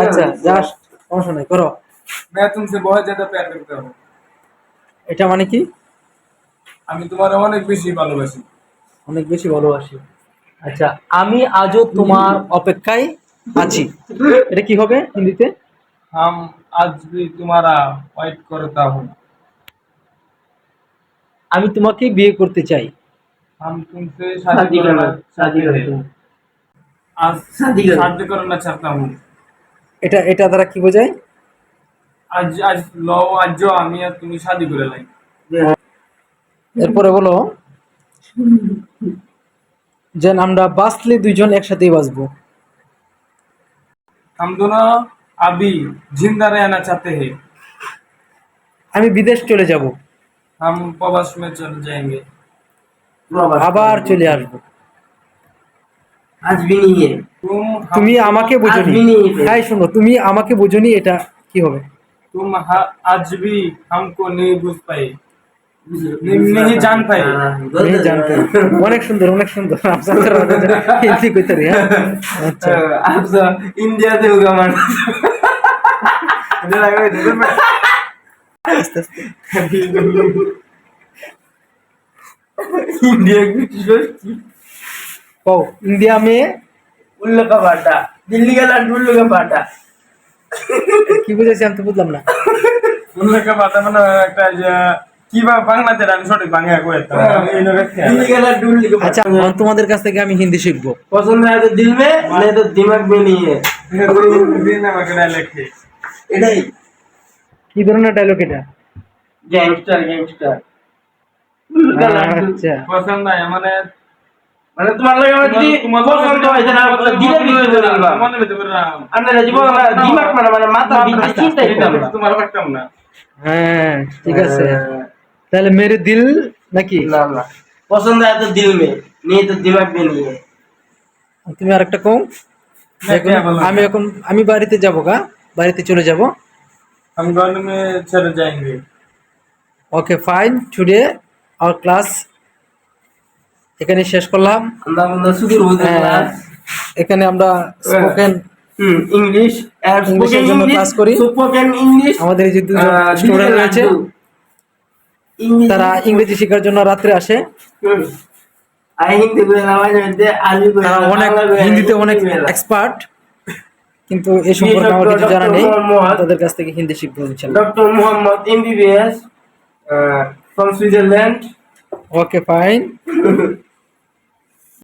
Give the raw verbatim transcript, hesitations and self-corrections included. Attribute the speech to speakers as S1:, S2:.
S1: আচ্ছা জাস্ট সমস্যা নাই, করো।
S2: मैं तुमसे बहुत ज्यादा प्यार करता हूँ।
S1: এটা মানে কি?
S2: আমি তোমার অনেক বেশি ভালোবাসি।
S1: অনেক বেশি ভালোবাসি। আচ্ছা, আমি আজও তোমার অপেক্ষায় আছি, এটা কি হবে হিন্দিতে?
S2: हम आज भी तुम्हारा वेट करता हूँ।
S1: আমি তোমাকে বিয়ে করতে চাই।
S2: हम तुमसे शादी करना चाहते हैं। आज शादी करना चाहता हूँ।
S1: এটা এটা দ্বারা কি বোঝায়?
S2: আজ আজ লও আজ আমি আর তুমি শাদি করে লাই।
S1: এরপরে বলো যে আমরা বাঁচলে দুইজন একসাথেই বাঁচবো।
S2: हम दोनों अभी जिंदा रहना चाहते हैं।
S1: আমি বিদেশ চলে যাব,
S2: हम प्रवास में चले जाएंगे।
S1: আবার চলে আসবো।
S3: आज भी नहीं है।
S2: तुम
S1: তুমি
S2: हमको-
S1: আমাকে
S3: आज
S1: বোঝনি।
S3: भी नहीं है।
S1: হ্যাঁ শোনো, তুমি আমাকে বোঝনি, এটা কি হবে?
S2: तुम हा- आज भी हमको नहीं बुझ पाए। नहीं नहीं जान पाए।
S1: नहीं जानते। অনেক সুন্দর, অনেক সুন্দর। আপনাদের হিন্দি কইতে রে। আচ্ছা
S3: आप सब इंडिया से होगा मान
S1: আস্তে আস্তে।
S3: इंडिया की सोचती
S1: কও ইন্ডিয়া মে
S3: उल्लू का बाटा, दिल्ली का लड्डू उल्लू का बाटा।
S1: কি বুঝাইছি আমি তো বুঝলাম না।
S2: উল্লেখ বাতা মানে একটা যে কি বা বাংলাতে আমি সঠিক বাংলা কইতাম এই লোকে
S3: दिल्ली का लड्डू उल्लू का
S1: আচ্ছা
S3: बाटा।
S1: এখন তোমাদের কাছ থেকে আমি হিন্দি শিখবো।
S3: पसंद है तो दिल में, नहीं तो दिमाग में नहीं है।
S2: দিন আমাকে লেখে
S3: এটাই
S1: কি ধরনের ডায়লগ এটা?
S3: গ্যাংস্টার গ্যাংস্টার উল্লू का लड्डू।
S1: আচ্ছা
S2: পছন্দ নাই মানে
S3: মানে তোমার লাগে আমার যদি
S2: তোমার
S3: পছন্দ হয়েছে না দিলে ভিতরে বলবা
S2: মনে ভিতরে না
S3: আপনারা জীবন দিমাগ মানে মানে মাথা ভিতরে চিন্তা করতে হবে।
S2: তোমার পারতাম না।
S1: হ্যাঁ ঠিক আছে, তাহলে মেরে দিল নাকি?
S3: না না পছন্দ है तो दिल में, नहीं तो दिमाग में नहीं है।
S1: তুমি আরেকটা কও। এখন আমি এখন আমি বাড়িতে যাব গা, বাড়িতে চলে যাব।
S2: हम घर में चले जाएंगे।
S1: Okay fine, today our class এখানে শেষ করলাম।
S3: আমরা আমরা শুধু রোজ ক্লাস
S1: এখানে আমরা স্পোকেন
S3: হুম ইংলিশ আর
S1: ইংলিশের
S3: স্পোকেন
S1: জন্য
S3: ইংলিশ
S1: ক্লাস করি।
S3: স্পোকেন ইংলিশ
S1: আমাদের এই যে দুজন স্টুডেন্ট রয়েছে
S3: ইংলিশ
S1: তারা ইংরেজি শেখার জন্য রাত্রে আসে।
S3: আই হিন্দি বলে নামাজ মধ্যে আলু বলে
S1: তারা অনেক হিন্দিতে অনেক এক্সপার্ট, কিন্তু এই সম্পর্কে আমার কিছু জানা নেই। তাদের কাছ থেকে হিন্দি শিখবো ইনশাআল্লাহ।
S3: Doctor Mohammad MBBS from Switzerland.
S1: Okay fine.